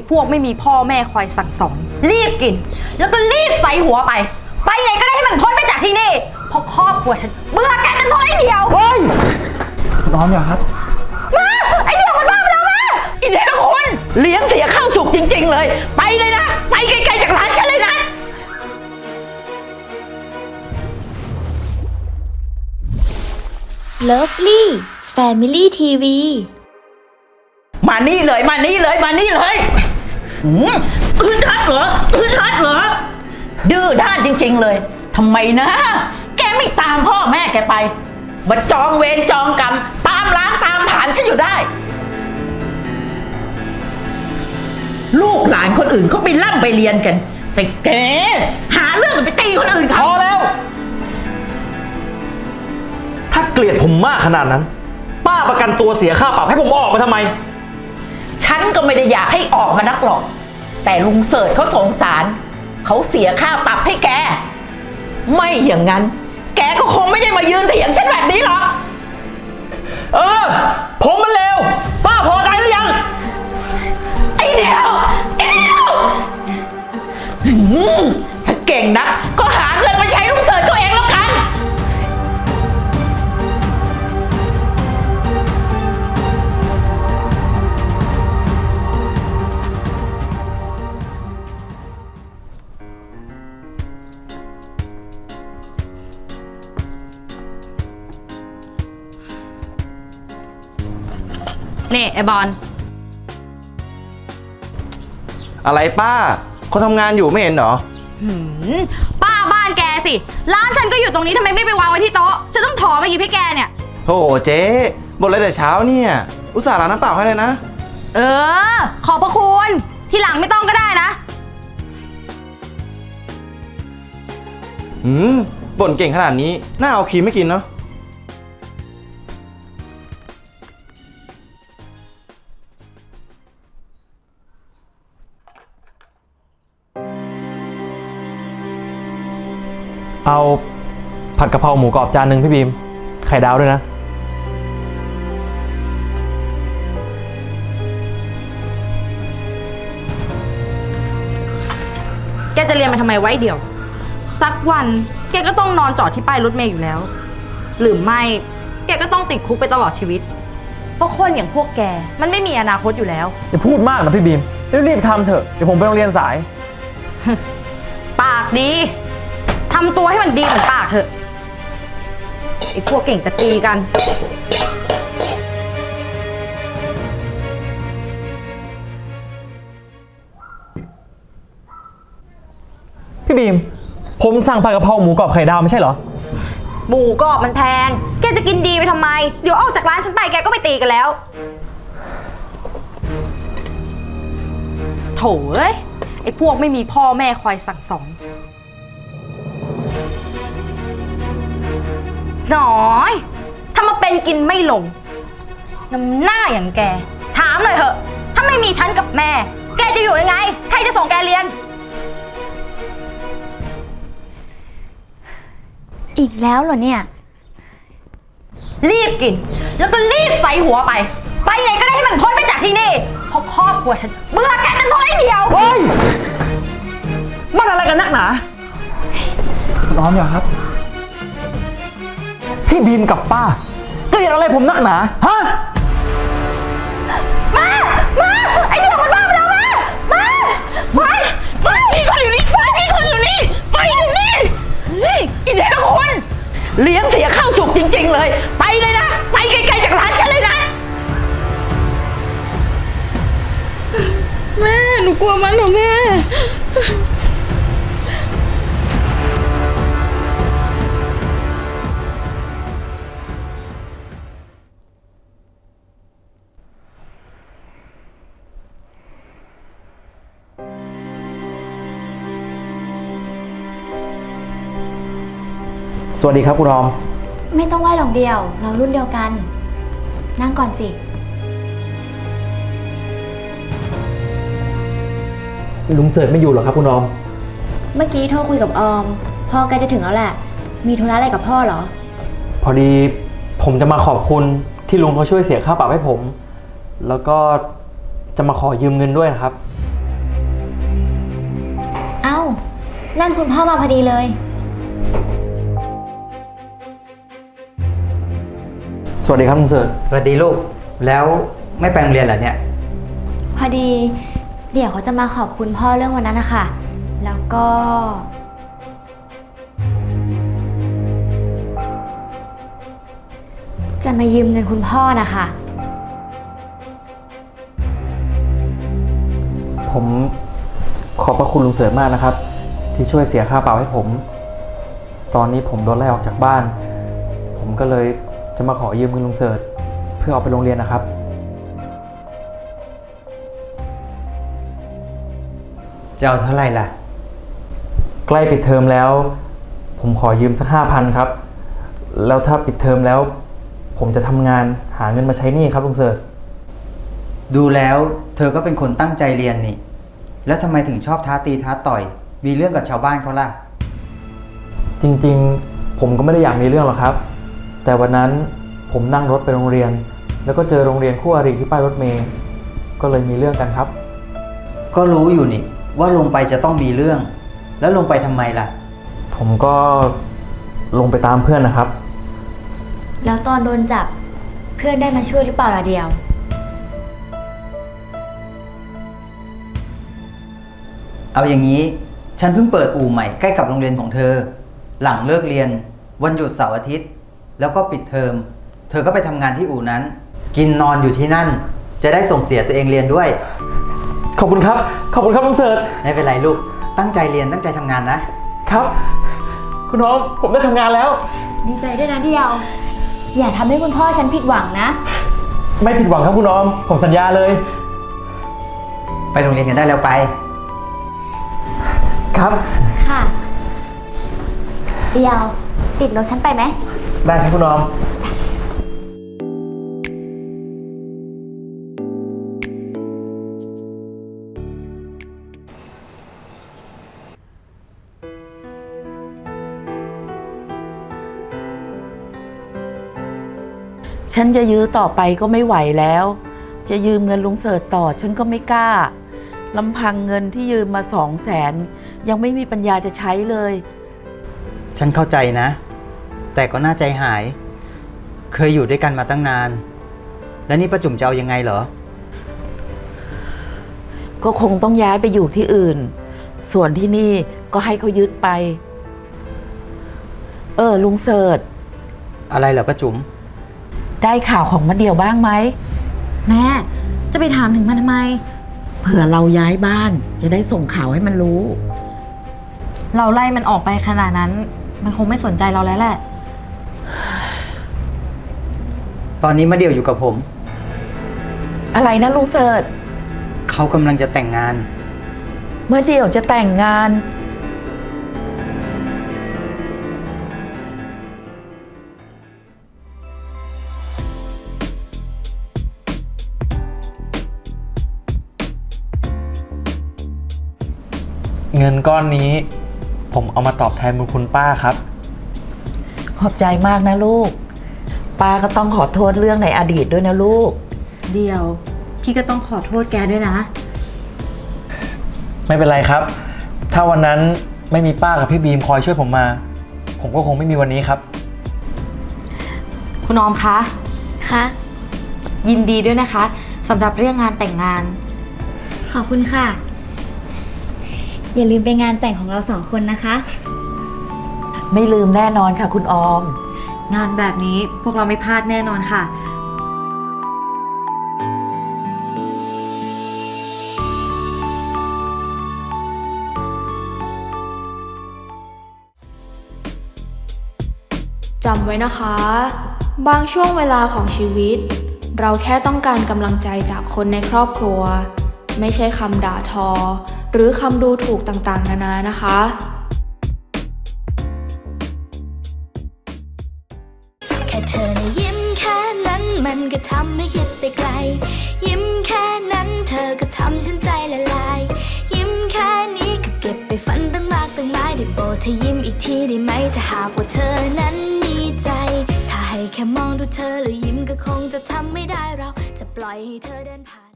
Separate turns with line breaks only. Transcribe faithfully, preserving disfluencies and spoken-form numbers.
พวกไม่มีพ่อแม่คอยสั่งสอนรีบกินแล้วก็รีบใส่หัวไปไปไหนก็ได้ให้มันพ้นไปจากที่นี่เพราะครอบครัวฉันเบื่อแกกันเพราะไอ้เดียว
เฮ้ยน้องอย่าครับ
มาไอ้เดียวมันบ้าไปแล้วมา
ไอ้เดียวคุณเลี้ยงเสียข้าวสุกจริงๆเลยไปเลยนะไปไกลๆจากร้านฉันเลยนะ
เลิฟลี่แฟมิลี่ทีวี
มานี่เลยมานี่เลยมานี่เลยอึดอัดเหรออึดอัดเหรอดื้อด้านจริงๆเลยทำไมนะแกไม่ตามพ่อแม่แกไปมาจองเวรจองกรรมตามล้างตามผ่านฉันอยู่ได้ลูกหลานคนอื่นเขาไปร่ำไปเรียนกันแต่แกหาเรื่องไปตีคนอื่นเขา
พอแล้วถ้าเกลียดผมมากขนาดนั้นป้าประกันตัวเสียค่าปรับให้ผมออกมาทำไม
ฉันก็ไม่ได้อยากให้ออกมานักหรอกแต่ลุงเสิร์ชเขาสงสารเขาเสียค่าปรับให้แกไม่อย่างนั้นแกก็คงไม่ได้มายืนเถียงฉันแบบนี้หรอก
เออผมมันเลวป้าพอใจหรือยัง
ไอ้เดียวไอ้เดียวถ้าเก่งนักก็หาเงินมาใช้ลุงเสิร์ชตัวเองแล้วกัน
นี่ไอ้บอล
อะไรป้าเขาทำงานอยู่ไม่เห็นเหรอ
ป้าบ้านแกสิร้านฉันก็อยู่ตรงนี้ทำไมไม่ไปวางไว้ที่โต๊ะฉันต้องถอมาหยิบให้แกเนี่ย
โธ่เจ๊บ่นอะไรแต่เช้าเนี่ยอุตส่าห์ล้างน้ำเปล่าให้เลยนะ
เออขอบพระคุณทีหลังไม่ต้องก็ได้นะ
หืมบ่นเก่งขนาดนี้น่าเอาครีมไม่กินเนาะ
เอาผัดกะเพราหมูกรอบจานหนึ่งพี่บีมไข่ดาวด้วยนะ
แกจะเรียนไปทำไมไว้เดียวสักวันแกก็ต้องนอนจอดที่ป้ายรถเมล์อยู่แล้วหรือไม่แกก็ต้องติดคุกไปตลอดชีวิตเพราะคนอย่างพวกแกมันไม่มีอนาคตอยู่แล้ว
อย่าพูดมากนะพี่บีมรีบๆทำเถอะเดี๋ยวผมไปโรงเรียนสาย
ปากดีทำตัวให้มันดีเหมือนปากเถอะไอ้พวกเก่งจะตีกัน
พี่บีมผมสั่งผัดกะเพราหมูกรอบไข่ดาวไม่ใช่เหรอ
หมูกรอบมันแพงแกจะกินดีไปทำไมเดี๋ยวออกจากร้านฉันไปแกก็ไปตีกันแล้วโถเอ้ยไอ้พวกไม่มีพ่อแม่คอยสั่งสอนน้อยถ้ามาเป็นกินไม่ลงน้ำหน้าอย่างแกถามหน่อยเถอะถ้าไม่มีฉันกับแม่แกจะอยู่ยังไงใครจะส่งแกเรียน
อีกแล้วเหรอเนี่ย
รีบกินแล้วก็รีบใส่หัวไปไปไหนก็ได้ให้มันพ้นไปจากที่นี่เพราะครอบครัวฉันเบื่อแกกันเพราะไอ้เดียว
เฮ้ยมันอะไรกันนักหนา
น้องอย่าครับ
พี่บีมกับป้าเกลียดอะไรผมนักหนาฮะ
มามาไอ้เดียวมันบ้าไปแล้วมามาไป
ไปพี่คนอยู่นี่ไปพี่คนอยู่นี่ไปเดี๋ยวนี้เฮ้ยไอ้เดียวคุณเลี้ยงเสียข้าวสุกจริงๆเลยไปเลยนะไปไกลๆจากร้านฉันเลยนะ
แม่หนูกลัวมันเหรอแม่
สวัสดีครับคุณรอม
ไม่ต้องไหว้หรอกเดียวเรารุ่นเดียวกันนั่งก่อนสิ
ลุงเสิร์ชไม่อยู่หรอครับคุณรอม
เมื่อกี้โทรคุยกับออมพ่อใกล้จะถึงแล้วแหละมีธุระอะไรกับพ่อเหรอ
พอดีผมจะมาขอบคุณที่ลุงเขาช่วยเสียค่าปรับให้ผมแล้วก็จะมาขอยืมเงินด้วยนะครับ
นั่นคุณพ่อมาพอดีเลย
สวัสดีครับลุงเสิร์ช
สวัสดีลูก แล้วไม่ไปโรงเรียนเหรอเนี่ย
พอดี เดี๋ยวเขาจะมาขอบคุณพ่อเรื่องวันนั้นนะคะ แล้วก็ จะมายืมเงินคุณพ่อนะคะ
ผมขอบพระคุณลุงเสิร์ชมากนะครับ ที่ช่วยเสียค่าเปล่าให้ผม ตอนนี้ผมโดนไล่ออกจากบ้าน ผมก็เลยจะมาขอยืมเงินลุงเสิร์ชเพื่อเอาไปโรงเรียนนะครับ
จะเอาเท่าไหร่ล่ะ
ใกล้ปิดเทอมแล้ว ผมขอยืมสักห้าพันครับ แล้วถ้าปิดเทอมแล้ว ผมจะทำงานหาเงินมาใช้หนี้ครับลุงเสิร์ช
ดูแล้วเธอก็เป็นคนตั้งใจเรียนนี่ แล้วทำไมถึงชอบท้าตีท้าต่อย มีเรื่องกับชาวบ้านเขาล่ะ
จริงๆ ผมก็ไม่ได้อยากมีเรื่องหรอกครับ แต่วันนั้นผมนั่งรถไปโรงเรียน แล้วก็เจอโรงเรียนคู่อริที่ป้ายรถเมล์ก็เลยมีเรื่องกันครับ
ก็รู้อยู่นี่ ว่าลงไปจะต้องมีเรื่อง แล้วลงไปทำไมล่ะ
ผมก็ลงไปตามเพื่อนนะครับ
แล้วตอนโดนจับเพื่อนได้มาช่วยหรือเปล่าล่ะเดียว
เอาอย่างนี้ ฉันเพิ่งเปิดอู่ใหม่ใกล้กับโรงเรียนของเธอ หลังเลิกเรียน วันหยุดเสาร์อาทิตย์ แล้วก็ปิดเทอม เธอก็ไปทำงานที่อู่นั้น กินนอนอยู่ที่นั่น จะได้ส่งเสียตัวเองเรียนด้วย
ขอบคุณครับ ขอบคุณครับลุงเสิร์ช
ไม่เป็นไรลูก ตั้งใจเรียนตั้งใจทำงานนะ
ครับ คุณน้องผมได้ทำงานแล้ว
ดีใจด้วยนะเดียว อย่าทำให้คุณพ่อฉันผิดหวังนะ
ไม่ผิดหวังครับคุณน้องผมสัญญาเลย
ไปโรงเรียนกันได้แล้วไป
ครับ
ค่ะ เดียว ติดรถฉันไปไหม
ได้ครับคุณน้อง
ฉันจะยื้อต่อไปก็ไม่ไหวแล้ว จะยืมเงินลุงเสิร์ชต่อฉันก็ไม่กล้าลำพังเงินที่ยืมมาสองแสนยังไม่มีปัญญาจะใช้เลย
ฉันเข้าใจนะ แต่ก็น่าใจหาย เคยอยู่ด้วยกันมาตั้งนาน แล้วนี่ป้าจุ๋มจะเอายังไงเหรอ
ก็คงต้องย้ายไปอยู่ที่อื่น ส่วนที่นี่ก็ให้เขายึดไป เออลุงเสิร์ช
อะไรเหรอป้าจุ๋ม
ได้ข่าวของมะเดี่ยวบ้างไหม
แม่จะไปถามถึงมันทำไม
เผื่อเราย้ายบ้านจะได้ส่งข่าวให้มันรู้
เราไล่มันออกไปขนาดนั้น มันคงไม่สนใจเราแล้วแหละ
ตอนนี้มาเดี่ยวอยู่กับผม
อะไรนะลุงเสิร์ช
เขากำลังจะแต่งงาน
เมื่อเดี่ยวจะแต่งงาน
เงินก้อนนี้ ผมเอามาตอบแทนบุญคุณป้าครับ
ขอบใจมากนะลูก ป้าก็ต้องขอโทษเรื่องในอดีตด้วยนะลูก
เดียว พี่ก็ต้องขอโทษแกด้วยนะ
ไม่เป็นไรครับ ถ้าวันนั้นไม่มีป้ากับพี่บีมคอยช่วยผมมา ผมก็คงไม่มีวันนี้ครับ
คุณออมคะ
คะ
ยินดีด้วยนะคะสำหรับเรื่องงานแต่งงาน
ขอบคุณค่ะ อย่าลืมไปงานแต่งของเราสองคนนะคะ
ไม่ลืมแน่นอนค่ะคุณออม
งานแบบนี้พวกเราไม่พลาดแน่นอนค่ะ
จำไว้นะคะ บางช่วงเวลาของชีวิต เราแค่ต้องการกำลังใจจากคนในครอบครัว ไม่ใช่คำด่าทอ หรือคำดูถูกต่างๆนานานะคะ
แค่เธอนะยิ้มแค่นั้นมันก็ทำให้คิดไปไกล ยิ้มแค่นั้นเธอก็ทำฉันใจละลาย ยิ้มแค่นี้ก็เก็บไปฝันตั้งมากตั้งหลายได้โปรดเธอยิ้มอีกทีได้ไหมถ้าหากว่าเธอนั้นมีใจ ถ้าให้แค่มองดูเธอแล้วยิ้มก็คงจะทำไม่ได้เราจะปล่อยให้เธอเดินผ่าน